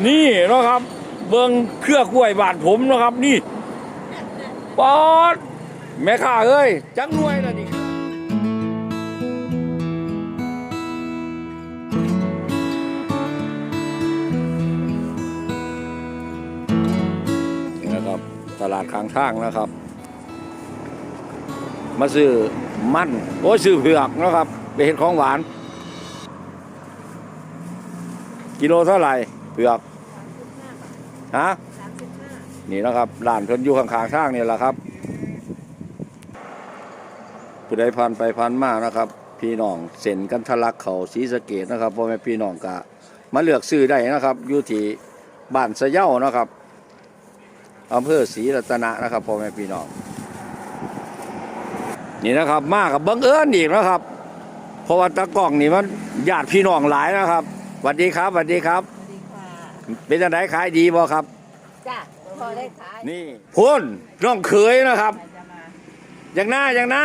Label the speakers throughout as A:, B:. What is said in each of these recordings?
A: นี่นะครับเบิ้งเครือกล้วยบาดผมนะครับนี่ปอดแม่ข้าเอ้ยจังหน่วยละนี่นะครับตลาดข้างทางนะครับมาซื้อมันโอ้ยซื้อเผือกนะครับไปเห็นของหวานกิโลเท่าไหร่เผือกฮะนี่นะครับร้านเพิ่นอยู่ข้างๆทางนี่แหละครับผู้ใดผ่านไปผ่านมานะครับพี่น้องเส้นกันทะลักเขาศรีสะเกษนะครับพ่อแม่พี่น้องก็มาเลือกซื้อได้นะครับอยู่ที่บ้านสะเย้านะครับอำเภอศรีรัตนะนะครับพ่อแม่พี่น้องนี่นะครับมากับบังเอิญอีกนะครับเพราะว่าตะกล้องนี่มันญาติพี่น้องหลายนะครับสวัสดีครับสวัสดีครับเป็นจังไดขายดีบ่ครับ
B: จ้ะพอได้ขาย
A: นี่พุ่นน้องเขยนะครับอย่างหน้า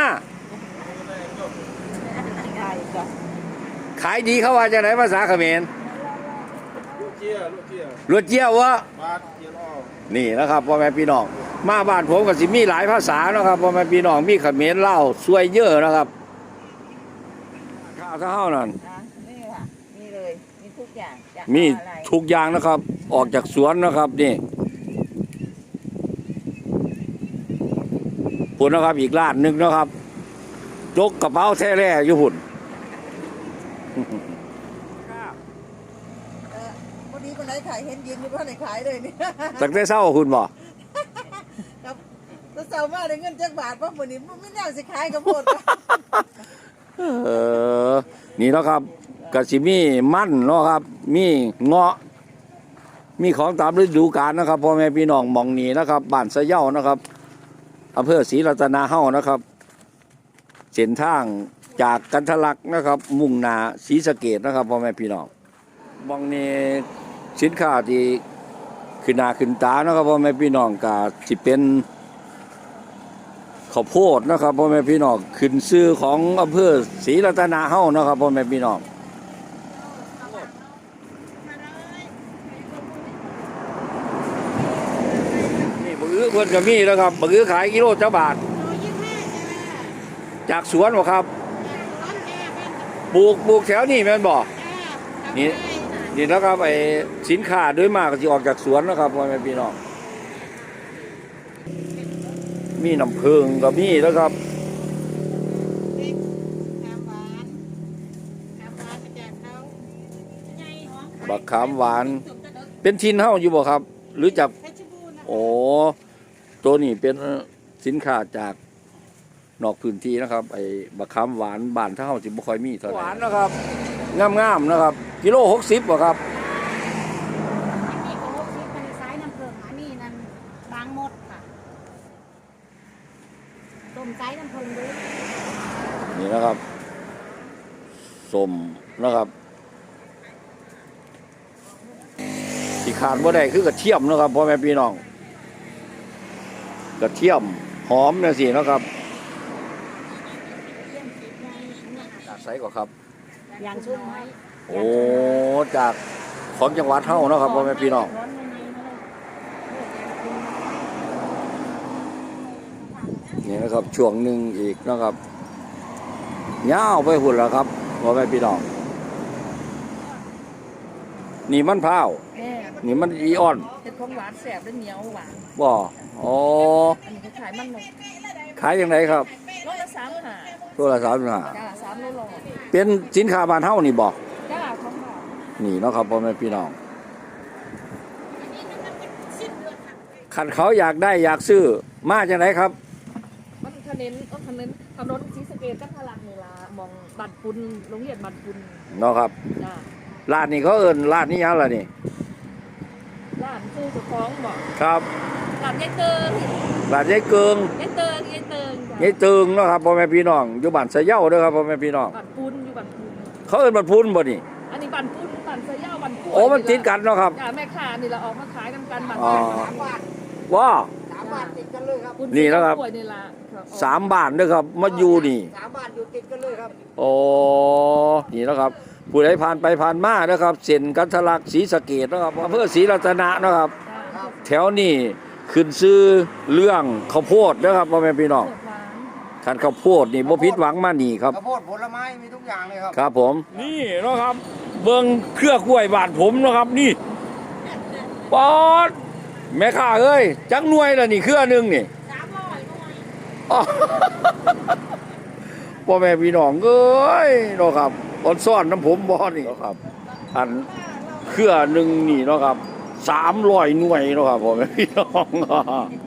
A: ขายดีเขาว่าจะไหนภาษาเขมร
C: ลูกเ
A: จียววะนี่นะครับพ่อแม่พี่น้องมาบ้านผมก็สิมีหลายภาษานะครับพ่อแม่พี่น้องมีเขมรเล่าสวยเยอะนะครับข้าวเท่านั้น
B: นี่ค่ะมีเลยมีทุกอย่าง
A: มีทุกอย่างนะครับออกจากสวนนะครับนี่พุ่นนะครับอีกร้านหนึ่งนะครับยกกระเป๋าแท้แร่อยู่พุ่น
B: วันนี้คนไหนขายเห็นยืนอยู่บ้านไหนขายเลยนี่
A: สักได้เศร้าคุณบ่
B: ครับถ้าเศร้ามากได้เงินจักบาทเพราะวันนี้ไม่น่าสิขายกับหมด
A: นี่นะครับกะสิมีมันเนาะครับมีเงาะมีของตามฤดูกาลนะครับพ่อแม่พี่น้องมองนี่นะครับบ้านสะเย้านะครับอำเภอศรีรัตนาเฮ้านะครับเส้นทางจากกันทะลักนะครับมุ่งหน้าศรีสะเกษนะครับพ่อแม่พี่น้องมองนี่สินค้าที่ขึ้นหน้าขึ้นตานะครับพ่อแม่พี่น้องก็สิเป็นข้าวโพดนะครับพ่อแม่พี่น้องขึ้นชื่อของอำเภอศรีรัตนาเฮ้านะครับพ่อแม่พี่น้องนี่บะอื้อเพิ่นก็มีแล้วครับบะอื้อขายกิโลเจ้าบาทจากสวนบ่ครับปลูกแถวนี้แม่นบ่นี่นะครับไอ้สินค้าโดยมากก็สิออกจากสวนนะครับพ่อแม่พี่น้องมีน้ำผึ้งก็มีแล้วครับบักขามหวานเป็นทินเฮ้าอยู่บ่ครับหรือจากโอ้ตัวนี้เป็นสินค้าจากนอกพื้นที่นะครับไอ้บักขามหวานบ้านเฮ้าสิบ่ค่อยมีเท่าไหร่หวานนะครับงามๆนะครับกิโล60บ่ครับ
D: นี่ก็60เป็นสายน้ำผึ้งอันนี้นั่นบางหมดค่ะต้มไก่น้ำผึ้งด้วย
A: นี่นะครับส้มนะครับที่ขาดบ่ได้คือกระเทียมนะครับพ่อแม่พี่น้องกระเทียมหอมเนี่ยสินะครับจากไสก่อนครับ
D: อย่างชุ่มไหม
A: โอ้จากของจังหวัดเฮานะครับพ่อแม่พี่น้องนี่นะครับช่วงหนึ่งอีกนะครับยาวไปหุ่นแล้วครับพ่อแม่พี่น้องนี่มันพร้าวนี่มันอีออน
B: เป็นของหวานแสบและเหนียวหวาน
A: บ่อ๋อ
B: อันนี้ขายมันหมด
A: ขายยังไงครับ
B: โลละ35
A: ตัวละ35
B: จ้า3โล
A: เป็นสินค้าบ้านเฮานี่บ่
B: จ้าของบ้าน
A: นี่เนาะครับพ่อแม่พี่น้องคันเขาอยากได้อยากซื้อมาจังไดครับ
B: มันถนนศรีสะเกษจังหวัดนี่ล่ะมองบ้านปุนโรงเรียนบ้านปุน
A: เนาะครับ
B: จ้า
A: ร้านนี้เขาเอิ้นร้านนี้ยังล่ะนี่
B: ร้านซื้อสุของบ่
A: ครับ
B: ร้านยายเติง
A: ร้านยายเกิง
B: ยายเติง
A: ยายเติงเนาะครับพ่อแม่พี่น้องอยู่บ้านสะเย้าเด้อครับพ่อแม่พี่น้อง
B: บ้านปุนอยู่บ้านปุน
A: เขาเอิ้นบ้านปุนบ่นี่
B: อันนี้บ้านปุนบ้านสะเย้าบ้านปุน
A: โอ้มันติดกันเนาะครับ
B: แม่ค้านี่เราออกมาขายกันบ้าน
A: ว้า
B: 3 บาทติดกันเลยครับ
A: นี่นะครับ3 บาทเด้อครับมาอยู่นี่
B: 3 บาทอยู่ติดกันเลยครับ
A: โอ้นี่นะครับผู้ใดผ่านไปผ่านมานะครับเส้นกันทะลักศรีสะเกษนะครับอำเภอศรีรัตนะนะครับ แถวนี้ขึ้นซื้อเรื่องข้าวโพดนะครับพ่อแม่พี่น้อง
B: เปิดร้าน
A: คันข้าวโพดนี่บ่ผิดหวังมานี่ครับ
C: ข้าวโพดผลไม้มีทุกอย่างเลยครับ
A: ครับผมนี่เนาะครับเบิ่งเครือกล้วยบาดผมเนาะครับนี่ปอดแม่ค้าเอ้ยจักหน่วยละนี่เครือหนึงนี่
D: 300หน่วย
A: อ้อ พ่อแม่พี่น้องเอ้ยเนาะครับออนซ่อนน้ำผมบ่นี่เนาะครับ อันเครือหนึงนี่เนาะครับ300หน่วยเนาะครับพ่อแม่พี่น้อง